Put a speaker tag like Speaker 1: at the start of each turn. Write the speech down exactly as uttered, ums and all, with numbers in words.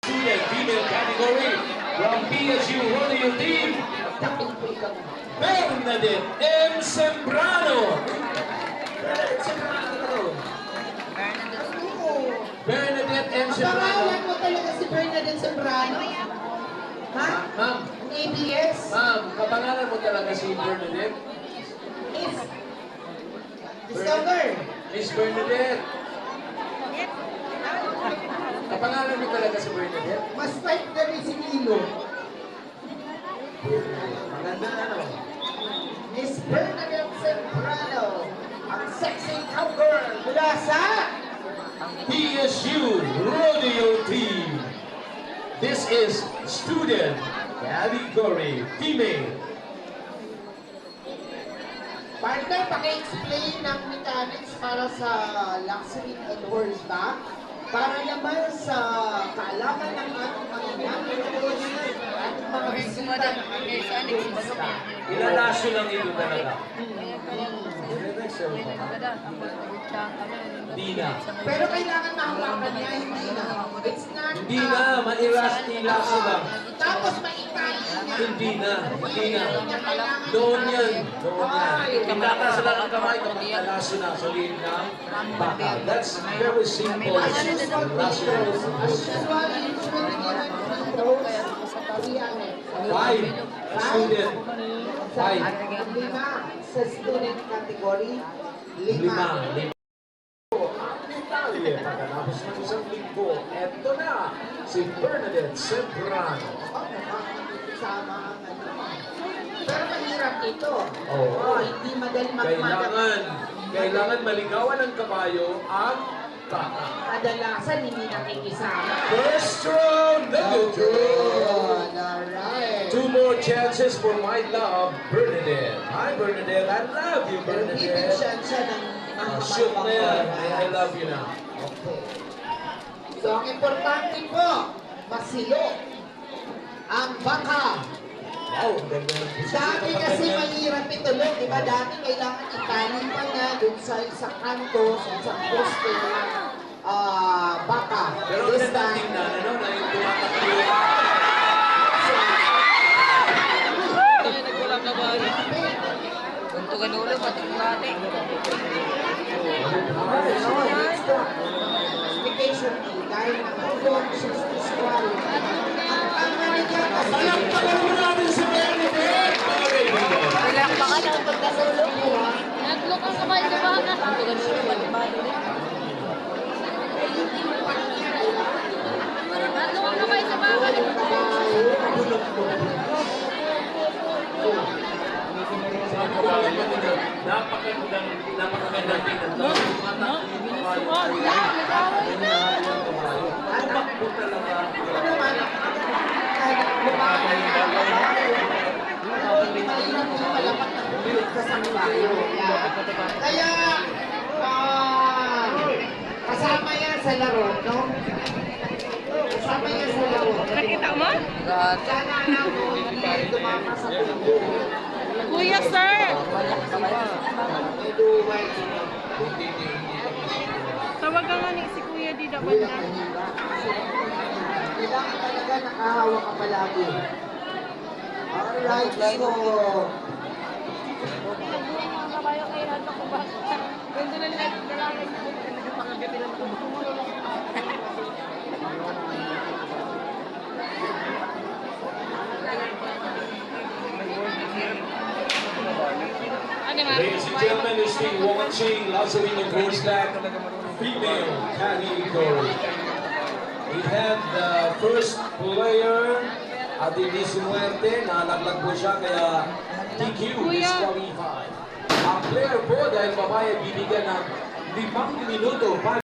Speaker 1: Student female category from P S U Rodeo Team, Bernadette M. Sembrano. Bernadette Sembrano. Bernadette M. Sembrano.
Speaker 2: Pangalan mo talaga si Bernadette Sembrano? Ha?
Speaker 1: Ma'am,
Speaker 2: A B S?
Speaker 1: ma'am, kapangalan mo talaga si Bernadette?
Speaker 2: Miss? Discover?
Speaker 1: Miss Bernadette. Kapangalan mo talaga si Bernadette?
Speaker 2: Mas type na rin si Nilo.
Speaker 1: Maganda ano?
Speaker 2: Miss Bernadette Sembrano. Ang sexy cowgirl mula sa
Speaker 1: P S U Rodeo Team. This is student category female.
Speaker 2: partner, paki-explain ng mechanics para sa luxury and horseback. Para naman sa kaalaman ng ating mga nanonood at mga bisita ng ating horseback.
Speaker 1: Ilalaso lang ito talaga. Hindi na.
Speaker 2: Pero kailangan mahawakan niya, hindi na. It's not...
Speaker 1: Hindi na, mairas ilaso lang.
Speaker 2: Tapos maitali niya.
Speaker 1: Hindi na, hindi na.
Speaker 2: Niya kailangan
Speaker 1: Doon
Speaker 2: itali.
Speaker 1: yan, doon yan.
Speaker 2: Ay.
Speaker 1: Itataas lang ang kamay kapag italaso na sa liin ng baka. That's very simple.
Speaker 2: As usual,
Speaker 1: Lasso.
Speaker 2: as usual, usually given three throws. Three ano?
Speaker 1: Five. Student. Five.
Speaker 2: Lima sa student category. Lima.
Speaker 1: Lima. Lima. Detalye, pagkatapos ng isang linggo, eto na, si Bernadette Sembrano.
Speaker 2: Sama ang ano. Pero mahirap ito.
Speaker 1: Oo.
Speaker 2: Oh, hindi madali magmadali.
Speaker 1: Kailangan, kailangan maligawan ng kabayo ang baka.
Speaker 2: Kadalasan hindi nakikisama.
Speaker 1: First round, the good
Speaker 2: Good. Alright.
Speaker 1: Two more chances for my love, Bernadette. Hi, Bernadette. I love you,
Speaker 2: Pero bibig
Speaker 1: Bernadette.
Speaker 2: siya siya ng
Speaker 1: Uh, shoot na yan. I, I love you na.
Speaker 2: Okay. So, ang importante po, masilo ang baka.
Speaker 1: Wow, ang ganda ng puso.
Speaker 2: Dati kasi mahirap itulog, di ba? Dati kailangan itali pa na dun sa isang kanto, sa isang poste ng ah, baka.
Speaker 1: Pero ang
Speaker 2: This
Speaker 1: ganda
Speaker 2: time,
Speaker 1: tingnan, ano, na yung tumatakbo.
Speaker 3: Tuntukan ulo, patungan natin.
Speaker 2: Vacation day, dahil nakatulog siya sa squall. Ang tama niya kasi,
Speaker 1: Palakpakan mo natin si Bernadette! Okay,
Speaker 3: Palakpakan ang pagkasulog mo. Naglok ang kamay sa baka. Tuntukan ulo, patungan ulit. Naglok ang kamay sa baka.
Speaker 1: Napakagandang, napakagandang tingnan. Tumakbo talaga.
Speaker 2: ano naman, kahit lumakan na ang kabayo, pero hindi mahirap yung palapat ng bumilit ka sa kabayo. Kaya, ah, kasama yan sa laro, no? Kasama yan sa laro.
Speaker 3: Nakita mo?
Speaker 2: Sana na ako hindi tumakas sa tubo.
Speaker 3: Kuya, sir!
Speaker 2: Medyo white.
Speaker 3: Tawagan nga ni si Kuya di dapat
Speaker 2: Wala
Speaker 3: na.
Speaker 2: mahirap. Kailangan talaga nakahawa ka palagi. Alright, so...
Speaker 3: Ang kabayo kay Hato ko ba? Ganda na lang lalaki niya. Pangagabi lang ito. Ano nga?
Speaker 1: Ladies and gentlemen, you're still watching Lazarino Horseback female category. We have the first player, Adili Sumuerte, nalaglag po siya kaya T Q disqualified. Ang player po dahil babae bibigyan ng limang minuto.